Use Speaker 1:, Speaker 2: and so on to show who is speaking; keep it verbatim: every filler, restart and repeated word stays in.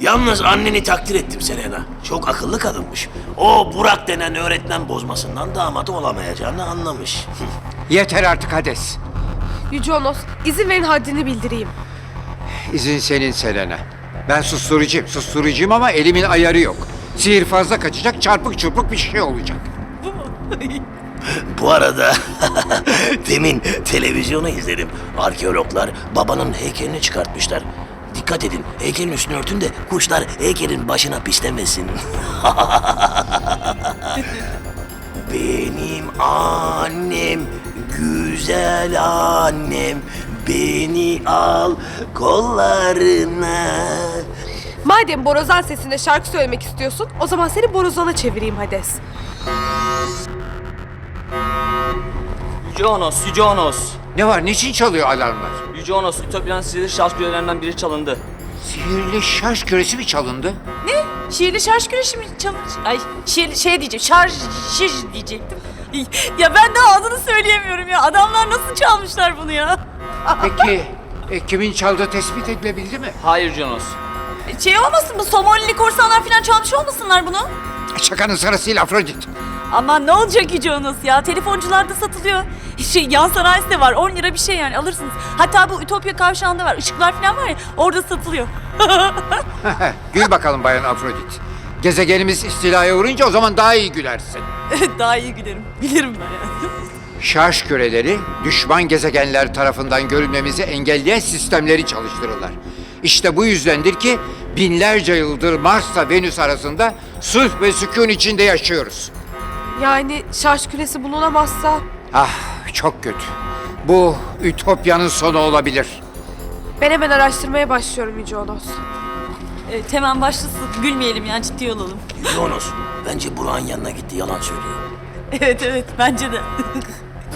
Speaker 1: Yalnız anneni takdir ettim Selena. Çok akıllı kadınmış. O Burak denen öğretmen bozmasından damat olamayacağını anlamış.
Speaker 2: Yeter artık Hades.
Speaker 3: Yüce Onos, izin verin haddini bildireyim.
Speaker 2: İzin senin Selena. Ben susturucuyum, susturucuyum ama elimin ayarı yok. Sihir fazla kaçacak, çarpık çırpık bir şey olacak.
Speaker 1: Bu arada demin televizyonu izledim. Arkeologlar babanın heykelini çıkartmışlar. Dikkat edin, heykelin üstünü örtün de kuşlar heykelin başına pislemesin. Benim annem, güzel annem, beni al kollarına.
Speaker 3: Madem borazan sesinde şarkı söylemek istiyorsun, o zaman seni borazana çevireyim Hades.
Speaker 4: Yüce Onos, Yüce Onos.
Speaker 2: Ne var, niçin çalıyor alarmlar?
Speaker 4: Yüce Onos, Ütopya'nın sihirli şarj kürelerinden biri çalındı.
Speaker 2: Sihirli şarj küresi mi çalındı?
Speaker 5: Şiirli şarj güreşi mi çalış? Ay şiirli şey diyeceğim, şarj şiş diyecektim. Ya ben de adını söyleyemiyorum ya. Adamlar nasıl çalmışlar bunu ya?
Speaker 2: Peki e, kimin çaldığı tespit edilebildi mi?
Speaker 4: Hayır Yüce Onos.
Speaker 5: Şey olmasın bu Somalili korsanlar falan çalmış olmasınlar bunu?
Speaker 2: Şakanın sırasıyla Afrodit.
Speaker 5: Ama ne olacak Yüce Onos ya? Telefoncularda satılıyor. Şey, yan sanayisi de var. on lira bir şey yani alırsınız. Hatta bu Ütopya kavşağında var. Işıklar falan var ya orada satılıyor.
Speaker 2: Gül bakalım Bayan Afrodit. Gezegenimiz istilaya uğrayınca o zaman daha iyi gülersin.
Speaker 5: Daha iyi gülerim. Bilirim ben yani.
Speaker 2: Şarj küreleri düşman gezegenler tarafından görülmemizi engelleyen sistemleri çalıştırırlar. İşte bu yüzdendir ki binlerce yıldır Mars'la Venüs arasında sulh ve sükun içinde yaşıyoruz.
Speaker 3: Yani şarj küresi bulunamazsa
Speaker 2: Ah, çok kötü. Bu Ütopya'nın sonu olabilir.
Speaker 3: ben hemen araştırmaya başlıyorum Yüce Onos.
Speaker 5: Evet, hemen başlasın. Gülmeyelim yani ciddi olalım.
Speaker 1: Yonos, bence Burak'ın yanına gitti, yalan söylüyor.
Speaker 5: Evet evet bence de.